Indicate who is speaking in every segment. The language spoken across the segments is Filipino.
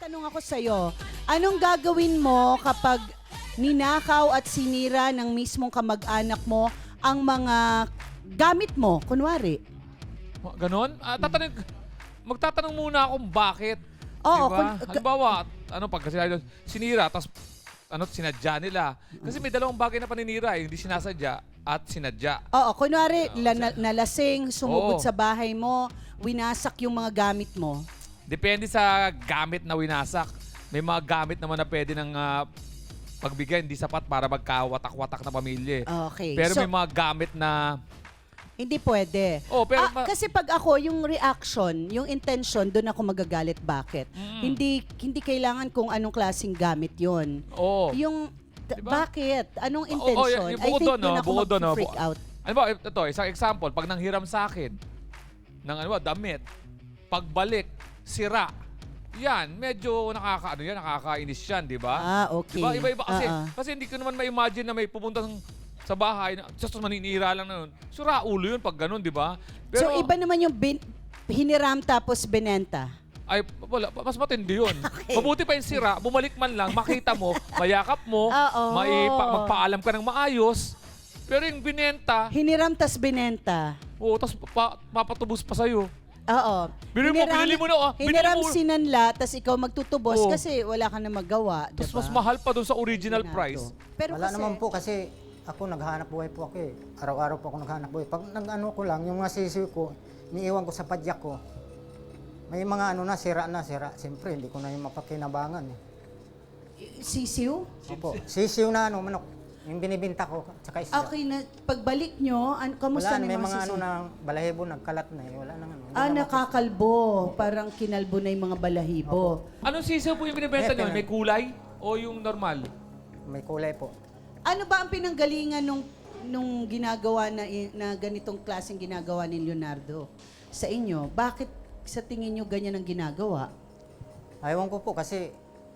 Speaker 1: tanong ako sa'yo, anong gagawin mo kapag ninakaw at sinira ng mismong kamag-anak mo ang mga gamit mo, kunwari?
Speaker 2: Ganon? Magtatanong muna akong bakit.
Speaker 1: Oo,
Speaker 2: diba? Halimbawa, pag sinira, tapos sinadya nila. Kasi may dalawang bagay na paninira, hindi sinasadya at sinadya.
Speaker 1: Oo, kunwari, nalasing, sumugod
Speaker 2: Oo.
Speaker 1: sa bahay mo, winasak yung mga gamit mo.
Speaker 2: Depende sa gamit na winasak. May mga gamit naman na pwede ng pagbigay, hindi sapat para magkawatak-watak na pamilya.
Speaker 1: Okay.
Speaker 2: Pero
Speaker 1: So,
Speaker 2: may mga gamit na...
Speaker 1: hindi pwede.
Speaker 2: Oh, pero
Speaker 1: Kasi pag ako, yung reaction, yung intention, doon ako magagalit. Bakit? Hindi kailangan kung anong klaseng gamit yon.
Speaker 2: Oo.
Speaker 1: Yung,
Speaker 2: Diba?
Speaker 1: bakit? Anong
Speaker 2: Oo,
Speaker 1: intention?
Speaker 2: yung
Speaker 1: I
Speaker 2: bukod
Speaker 1: think
Speaker 2: doon,
Speaker 1: doon ako
Speaker 2: bukod doon,
Speaker 1: mag-freak out.
Speaker 2: Ano ba, ito, isang example, pag nanghiram sa akin, ng damit, pagbalik, sira, yan, medyo nakakainis yan, di ba?
Speaker 1: Okay.
Speaker 2: Diba? Iba-iba kasi hindi ko naman ma-imagine na may pupunta sa bahay, just maninira lang na yun. Sura ulo yun pag ganun, di ba?
Speaker 1: So, iba naman yung hiniram tapos binenta.
Speaker 2: Ay, wala, mas matindi yun. Mabuti pa yung sira, bumalik man lang, makita mo, mayakap mo, magpaalam ka ng maayos, pero yung binenta,
Speaker 1: Hiniram tas binenta.
Speaker 2: tapos papatubos pa sa'yo.
Speaker 1: Oo.
Speaker 2: Binili mo na,
Speaker 1: Hiniram sinanla, tas ikaw magtutubos
Speaker 2: Oo.
Speaker 1: kasi wala ka na magawa.
Speaker 2: Tapos
Speaker 1: diba?
Speaker 2: mas mahal pa dun sa original
Speaker 1: Ginado.
Speaker 2: price.
Speaker 1: Pero
Speaker 3: Wala
Speaker 1: kasi,
Speaker 3: naman po kasi ako naghahanap buhay po ako eh. Araw-araw po ako naghahanap buhay. Pag nag-ano ko lang, yung mga sisiw ko, iniiwan ko sa padyak ko. May mga sira. Siyempre, hindi ko na yung mapakinabangan eh.
Speaker 1: sisiw?
Speaker 3: Opo, sisiw na manok. Yung binibinta ko, tsaka isda.
Speaker 1: Okay na, pagbalik nyo, kamusta
Speaker 3: Wala,
Speaker 1: na
Speaker 3: may
Speaker 1: yung mga
Speaker 3: mga
Speaker 1: sisiw?
Speaker 3: na balahibo, nagkalat na eh. Wala nang
Speaker 1: Nakakalbo. Parang kinalbo na yung mga balahibo.
Speaker 2: Anong sisiw po yung binibenta nyo?
Speaker 3: Meron.
Speaker 2: May kulay o yung normal?
Speaker 3: May kulay po.
Speaker 1: Ano ba ang pinanggalingan nung ginagawa na ganitong klaseng ginagawa ni Leonardo sa inyo? Bakit sa tingin nyo ganyan ang ginagawa?
Speaker 3: Ayaw ko po kasi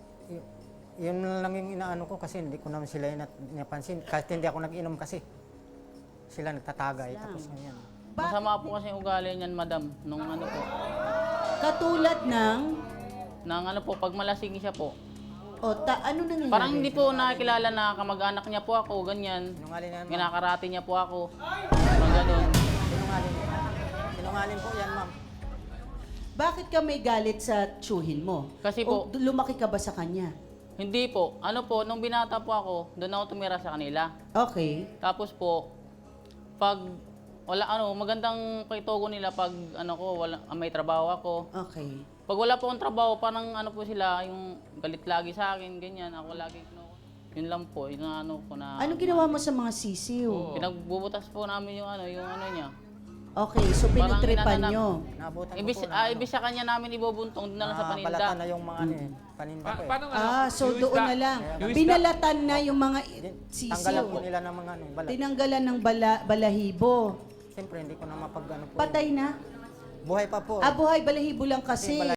Speaker 3: yun lang yung inaano ko kasi hindi ko naman sila napansin. Kahit hindi ako nag-inom kasi. Sila nagtatagay. Tapos ganyan.
Speaker 4: Masama po kasi yung ugali niyan, madam, nung po.
Speaker 1: Katulad ng...
Speaker 4: Pag malasing siya po.
Speaker 1: ano nangyayari?
Speaker 4: Parang hindi po nakikilala na kamag-anak niya po ako, ganyan.
Speaker 3: Sinungaling yan, ma'am.
Speaker 4: Ginakarate niya po ako. Parang ganun.
Speaker 3: Sinungaling. Sinungaling po yan, ma'am.
Speaker 1: Bakit ka may galit sa tsuhin mo?
Speaker 4: Kasi
Speaker 1: O
Speaker 4: po-
Speaker 1: lumaki ka ba sa kanya?
Speaker 4: Hindi po. Nung binata po ako, doon ako tumira sa kanila.
Speaker 1: Okay.
Speaker 4: Tapos po, pag magandang kaitogo nila pag may trabaho ako.
Speaker 1: Okay.
Speaker 4: Pag wala po akong trabaho, parang po sila, yung galit lagi sa akin, ganyan. Ako lagi, yun lang po, yun ko na...
Speaker 1: Anong ginawa mo sa mga sisiw?
Speaker 4: Pinagbubutas po namin yung niya.
Speaker 1: Okay, so
Speaker 4: Parang
Speaker 1: pinutripan
Speaker 4: inananap.
Speaker 1: nyo.
Speaker 3: Nabutan ko
Speaker 4: Ibis,
Speaker 3: po na,
Speaker 4: ibis sa kanya namin ibubuntong doon na lang sa paninda.
Speaker 3: balatan na yung mga paninda ko eh.
Speaker 2: Paano
Speaker 1: So
Speaker 2: yung
Speaker 1: doon
Speaker 2: isda?
Speaker 1: na lang.
Speaker 2: Yung isda?
Speaker 1: Binalatan na yung mga
Speaker 3: Tanggalan po
Speaker 1: sisiw.
Speaker 3: nila ng mga balat.
Speaker 1: Tinanggalan ng balahibo.
Speaker 3: Siyempre, hindi ko na mapag po.
Speaker 1: Patay na?
Speaker 3: Buhay pa po.
Speaker 1: Buhay, balahibo lang kasi.